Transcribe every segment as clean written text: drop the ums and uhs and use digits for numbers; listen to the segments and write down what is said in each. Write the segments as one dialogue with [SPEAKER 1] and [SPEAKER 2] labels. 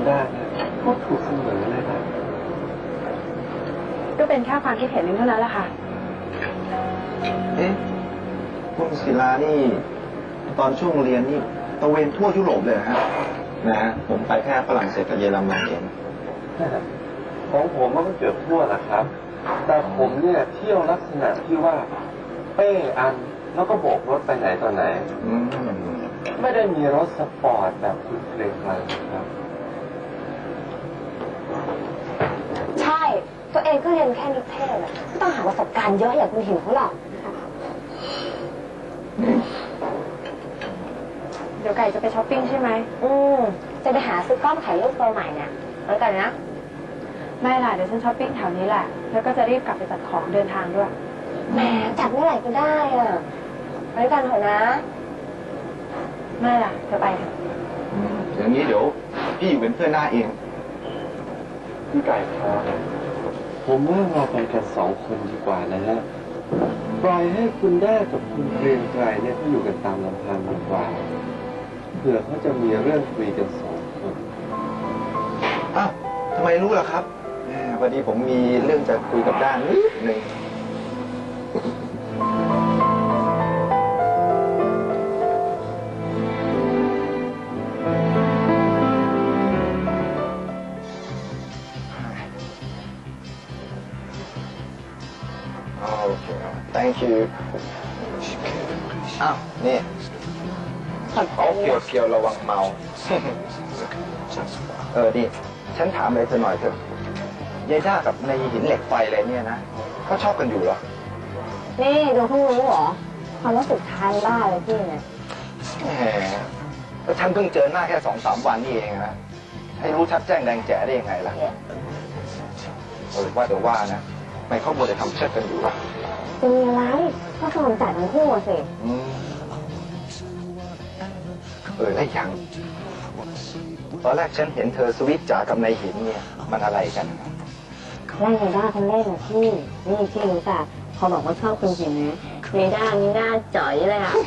[SPEAKER 1] ได้ก็ถูกเสมอเลยนะ
[SPEAKER 2] ก็เป็นแค่ความคิดเห็นนึงเท่านั้นแหละค่ะ
[SPEAKER 3] คุณศิลานี่ตอนช่วงเรียนนี่ตะเวนทั่วยุโรปเลยฮะนะฮะผมไปแค่ฝรั่งเศสกับเยอรมันเอง
[SPEAKER 1] ของผมมันก็เกือบทั่วแหละครับแต่ผมเนี่ยเที่ยวลักษณะที่ว่าเป้อันแล้วก็โบกรถไปไหนต่อไหนไม่ได้มีรถสปอร์ตแบบคุณเกรงไกรครับ
[SPEAKER 4] ใช่ตัวเองก็เรียนแค่นิเทศอะไม่ต้องหาประสบการณ์เยอะอย่างคุณหิวเขาหรอก
[SPEAKER 2] เดี๋ยวไก่จะไปช้อปปิ้งใช่ไหม
[SPEAKER 4] จะไปหาซื้อกล้องถ่ายรูปตัวใหม่เนี่ยแล้วกันนะ
[SPEAKER 2] ไม่ล่ะเดี๋ยวฉันช้อปปิ้งแถวนี้แหละแล้วก็จะรีบกลับไปจัดของเดินทางด้วย
[SPEAKER 4] แหมจัดเมื่อไหร่ก็ได้อะไปกันเถอะนะ
[SPEAKER 2] ไม่ล่ะเธอไปเถอะ
[SPEAKER 3] อย่างนี้เดี๋ยวพี่อยู่เป็นเพื่อนหน้าเอง
[SPEAKER 1] พี่ไก่ครับผมว่าเราไปกัน2 คนดีกว่านะฮะปล่อยให้คุณแด้กับคุณเกรียงไกรเนี่ยเขาอยู่กันตามลำพังดีกว่าเผื่อเขาจะมีเรื่องคุยกัน2 คน
[SPEAKER 3] อ้าวทำไมรู้ล่ะครับพอดีผมมีเรื่องจะคุยกับด้านนิดหนึ่งโอเค thank you อ้าวนี่เอาเกี่ยวระวังเมานี่ฉันถามอะไรเธอหน่อยเถอะยายด้ากับในหินเหล็กไฟอะไรเนี่ยนะเขาชอบกันอยู่เหรอ
[SPEAKER 4] นี่ดูเพิ่งรู้เหรอความรู้สึกทานบ้าเลยพี่เนี่ย
[SPEAKER 3] แหมแล้วฉันเพิ่งเจอหน้าแค่2-3 วันนี่เองนะให้รู้ชัดแจ้งแดงแจ๋ได้ยังไงล่ะว่าแต่ว่านะไม่เขาบ่นจะทำเชิดกันอยู่หรอ
[SPEAKER 4] จะมีอะไรก็สนใจทั้งคู่สิ
[SPEAKER 3] แล้วยังตอนแรกฉันเห็นเธอสวิตจ๋ากับนายหินเนี่ยมันอะไรกัน
[SPEAKER 4] แรกเมด้าคนแรกนะพี่นี่พี่รู้จักพอบอกว่าชอบคุณหินนะเมด้านี่หน้าจ๋อยเลยอะ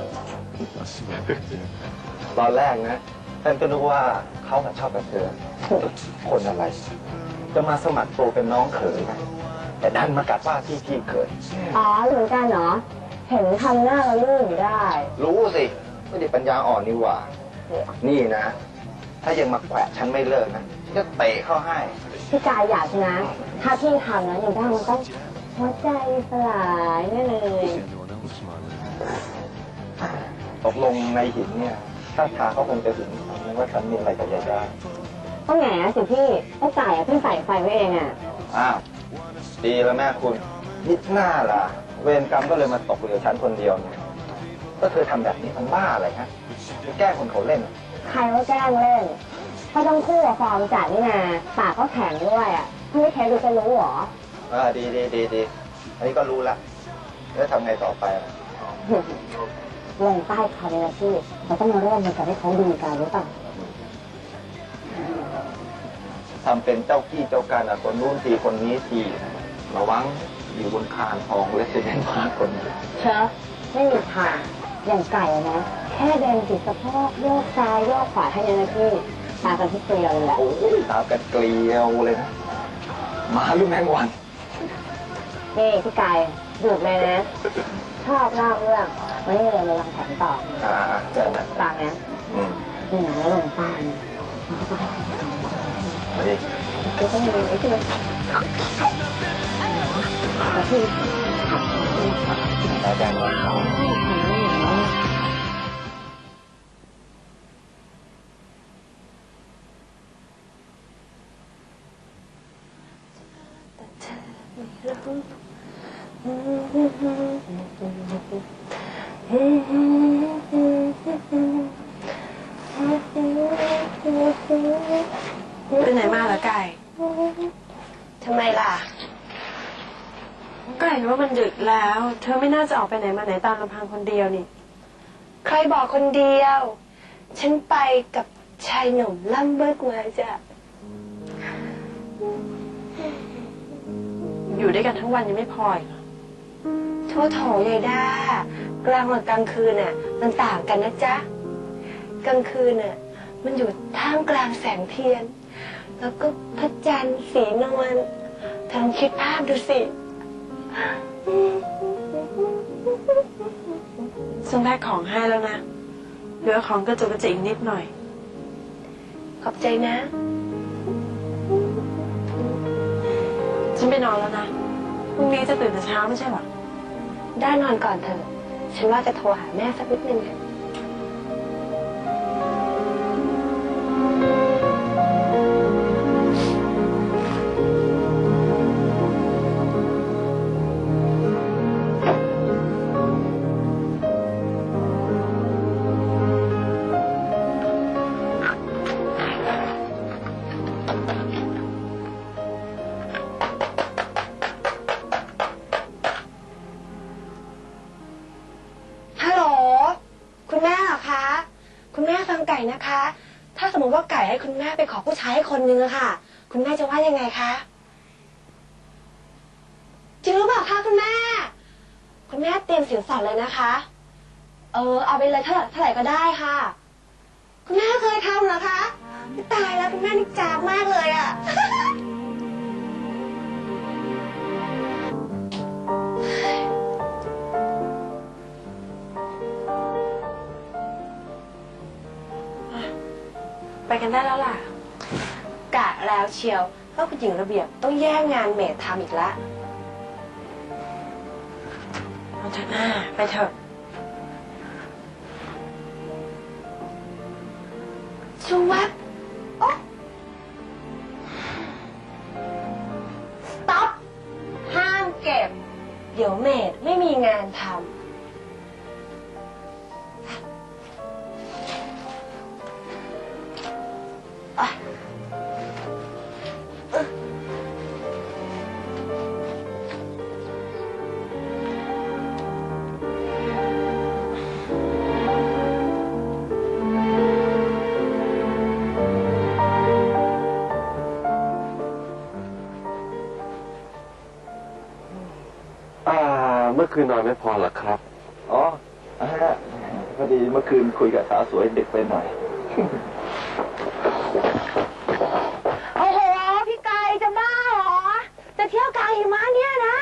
[SPEAKER 3] ตอนแรกนะฉันก็นึกว่าเขาชอบกับเธอคนอะไรจะมาสมัครตัวเป็นน้องเขยนะแต่ดันมากัดว่าที่พี่เขย
[SPEAKER 4] อ๋อเหมือนกันเนาะเห็นทำหน้าเราลื่นอยู่ได้
[SPEAKER 3] รู้สิไม่ได้ปัญญาอ่อนนี่หว่านี่นะถ้ายังมาแขวะฉันไม่เลิกนะจะเตะเข้าให้
[SPEAKER 4] พี่กายอยากนะถ้าพี่ทำนะอย่างด้ามันต้องหัวใจสลายแน่เลย
[SPEAKER 3] ตกลงในหินเนี่ยถ้าทางเขาคงจะถึงว่าฉันมีอะไรกับยายได้
[SPEAKER 4] ต้องแหนสิพี่ต้องจ่ายพี่ใส่ไฟไว้เอง
[SPEAKER 3] อ้าวดีแล้วแม่คุณนิดหน้าล่ะเวรกรรมก็เลยมาตกเหลือฉันคนเดียวเนี่ยก็เธอทำแบบนี้มันบ้าอะไรฮะแกล้งคนเขาเล่น
[SPEAKER 4] ใครว่าแกล้งเล่นเพราะต้องคู่กับฟอร์มจัดนี่นาปากก็แข็งด้วยถ้าไม่แข็งดูจะรู้หรอ
[SPEAKER 3] ดีอันนี้ก็รู้ละแล้วทำไงต่อไป
[SPEAKER 4] ลงใต้เขาเลยนะพี่เราต้องมาร่วมมือกันให้เขาดีกันหรือเปล่า
[SPEAKER 3] ทำเป็นเจ้าพี่เจ้าการคนนู้นทีคนนี้ทีระวังอยู่บนคานทองและเสด็จมาคน
[SPEAKER 4] เชอะไม่มีทางอย่างไก่นะแค่เดินติดสะโพกโยกซ้ายโยกขวาให้ยังไงพี่ตากันที่เกลียวเลยแหละ
[SPEAKER 3] โอ้ยตากันเกลียวเลยนะมาลูกแมงวัน
[SPEAKER 4] นี่พี่ไก่หยุดเลยนะชอบเล่าเรื่องวันนี้เราลองแผนต่อ
[SPEAKER 3] เดินนะ
[SPEAKER 4] ต่างนะนี่นะแล้วลงใต้
[SPEAKER 3] มาดิ
[SPEAKER 4] ก็ต้องมีไอ้ที่มันแต่พี่
[SPEAKER 3] อาจารย์ว่าเขา
[SPEAKER 2] ไปไหนมาเหรอไก่
[SPEAKER 4] ทำไมล่ะ
[SPEAKER 2] ก็เห็นว่ามันดึกแล้วเธอไม่น่าจะออกไปไหนมาไหนตามลำพังคนเดียวนี่
[SPEAKER 4] ใครบอกคนเดียวฉันไปกับชายหนุ่มล่ำเบิกมาจ้ะ
[SPEAKER 2] อยู่ด้วยกันทั้งวันยังไม่พออีก
[SPEAKER 4] โทษโถยายด้ากลางวันกลางคืนน่ะมันต่างกันนะจ๊ะกลางคืนน่ะ
[SPEAKER 2] มันอยู่ท่ามกลางแสงเทียน แล้วก็พระจันทร์สีนวลเธอลองคิดภาพดูสิฉันแพ็คของให้แล้วนะเหลือของกระจุกกระจิกอีกนิดหน่อย ขอบใจนะฉันไปนอนแล้วนะพรุ่งนี้จะตื่นแต่เช้าไม่ใช่หรอได้นอนก่อนเถอะฉันว่าจะโทรหาแม่สักนิดนึงอะคุณแม่เหรอคะคุณแม่ฟังไก่นะคะ ถ้าสมมติว่าไก่ให้คุณแม่ไปขอผู้ชายให้คนนึงอะค่ะคุณแม่จะว่ายังไงคะจริงหรือเปล่าคะคุณแม่คุณแม่เตรียมสินสอดเลยนะคะเอาไปเลยเท่าไหร่ก็ได้ค่ะคุณแม่เคยทำเหรอคะตายแล้วคุณแม่นี่จ้าบมากเลยอะไปกันได้แล้วล่ะกะแล้วเชียวว่าคุณหญิงระเบียบต้องแย่งงานเมดทำอีกละเอาเถอะหน้าไปเถอะชูวับโอ๊ะ stop ห้ามเก็บเดี๋ยวเมดไม่มีงานทำ
[SPEAKER 1] เมื่อคืนนอนไม่พอเหรอครับ
[SPEAKER 3] อ๋อพอดีเมื่อคืนคุยกับสาวสวยเด็กไปหน่อย
[SPEAKER 4] โอ้โหพี่ไก่จะบ้าเหรอจะเที่ยวกลางหิมะเนี่ยนะ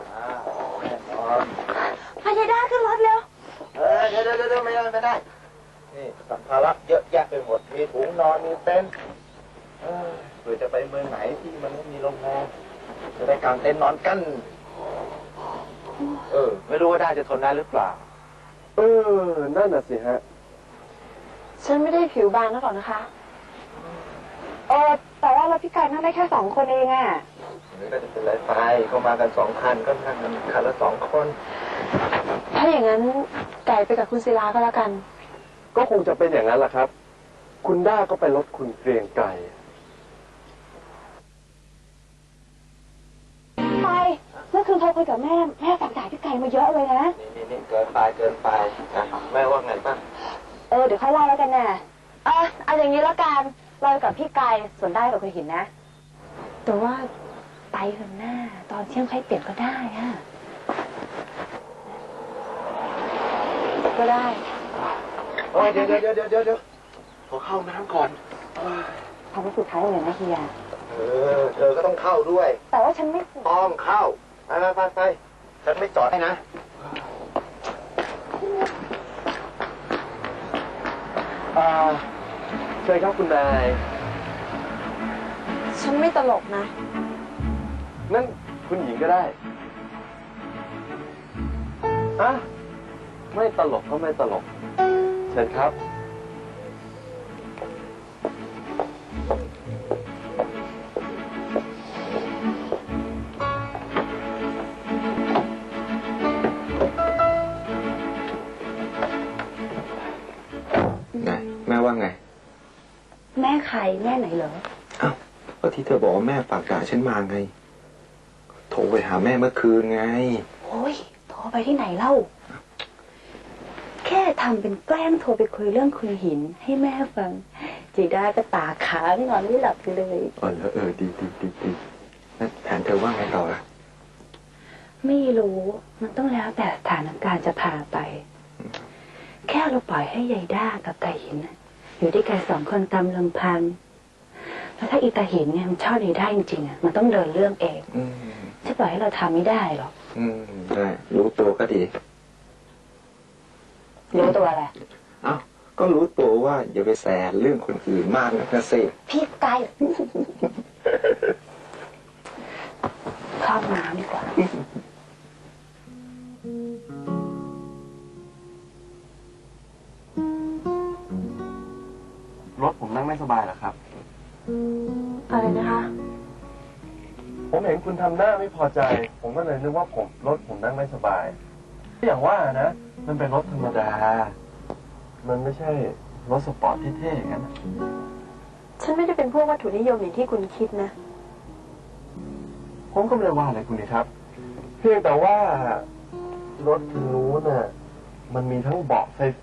[SPEAKER 4] พายได้ขึ้นรถเร็ว
[SPEAKER 3] เดี๋ยวไม่ได้นี่สัมภาระเยอะแยะไปหมดมีถุงนอนมีเต็นท์เผื่อจะไปเมืองไหนที่มันไม่มีโรงแรมจะได้กางเต็นท์นอนกันไม่รู้ว่าได้จะทนได้หรือเปล่า
[SPEAKER 1] นั่นน่ะสิฮะ
[SPEAKER 2] ฉันไม่ได้ผิวบางนักหรอกนะคะ
[SPEAKER 4] แต่ว่าเราพี่ไก่นั่งได้แค่2 คนเองอะ
[SPEAKER 3] นี่ก็จะเป็นไรไปก็มากัน2 คันก็นั่งกันคันละ2 คน
[SPEAKER 2] ถ้าอย่างนั้นไก่ไปกับคุณศิลาก็แล้วกัน
[SPEAKER 1] ก็คงจะเป็นอย่างนั้นแหละครับคุณด้าก็ไปรถคุณเกรียงไก่
[SPEAKER 4] ไปเมื่อคืนโทรคุยกับแม่ฝากจ่ายพี่ไก่มาเยอะเลยนะ
[SPEAKER 3] นี่เกินไปนะแม่ว่าไงบ้าง
[SPEAKER 4] เดี๋ยวค่อยเล่าแล้วกันนะเอาอย่างนี้แล้วกันเรากับพี่ไก่ส่วนได้กับคุณหินนะแต่ว่าไปเถอะหน้าตอนเที่ยงใครเปลี่ยนก็ได้อะ
[SPEAKER 2] ก็ได้
[SPEAKER 3] เดี๋ยวขอเข้าน้ำก่อน
[SPEAKER 4] ทำให้สุดท้ายเลยนะเฮีย
[SPEAKER 3] เธอก็ต้องเข้าด้วย
[SPEAKER 4] แต่ว่าฉันไม่
[SPEAKER 3] อ้อมเข้าไปฉันไม่จอดให้นะ
[SPEAKER 1] เชิญครับคุณนาย
[SPEAKER 2] ฉันไม่ตลกนะ
[SPEAKER 1] นั่นคุณหญิงก็ได้ไม่ตลกก็ไม่ตลกเชิญครับ
[SPEAKER 3] แม่ว่าไง
[SPEAKER 4] แม่ใครแม่ไหนเหรอ
[SPEAKER 3] ก็ที่เธอบอกว่าแม่ฝากจ่ายฉันมาไงโทรไปหาแม่เมื่อคืนไง
[SPEAKER 4] โอ้ยโทรไปที่ไหนเล่าแค่ทำเป็นแกล้งโทรไปคุยเรื่องคุณหินให้แม่ฟังจีด้าก็ตาค้างนอนไม่หลับเลย
[SPEAKER 3] แล้วดีแล้วแผนเธอว่าไงต่อล่ะ
[SPEAKER 4] ไม่รู้มันต้องแล้วแต่สถานการณ์จะพาไปแค่เราปล่อยให้ยายด้ากับไก่หินอยู่ด้วยกัน2 คนตามลำพัง แล้วถ้าอีตาหินเนี่ยมันชอบดีได้จริงๆอ่ะ มันต้องเดินเรื่องเองจะปล่อยให้เราทำไม่ได้หรอก
[SPEAKER 3] ใช่รู้ตัวก็ดี
[SPEAKER 4] รู้ตัวอะไร
[SPEAKER 3] เอ้าก็รู้ตัวว่าอย่าไปแสเรื่องคนอื่นมากนะสิ
[SPEAKER 4] พี่ไกลเข้าน้ำดีกว่า
[SPEAKER 1] รถผมนั่งไม่สบายเหรอครับ
[SPEAKER 4] อะไรนะคะ
[SPEAKER 1] ผมเห็นคุณทำหน้าไม่พอใจ ผมก็เลยนึกว่ารถผมนั่งไม่สบาย อย่างว่านะ มันเป็นรถธรรมดา มันไม่ใช่รถสปอร์ตเท่ๆอย่างนั้น
[SPEAKER 4] ฉันไม่ได้เป็นพวกวัตถุนิยมอย่างที่คุณคิดนะ
[SPEAKER 1] ผมก็ไม่ได้ว่าอะไรคุณนี่ครับ เพียงแต่ว่ารถคันนู้นน่ะ มันมีทั้งเบาะไฟ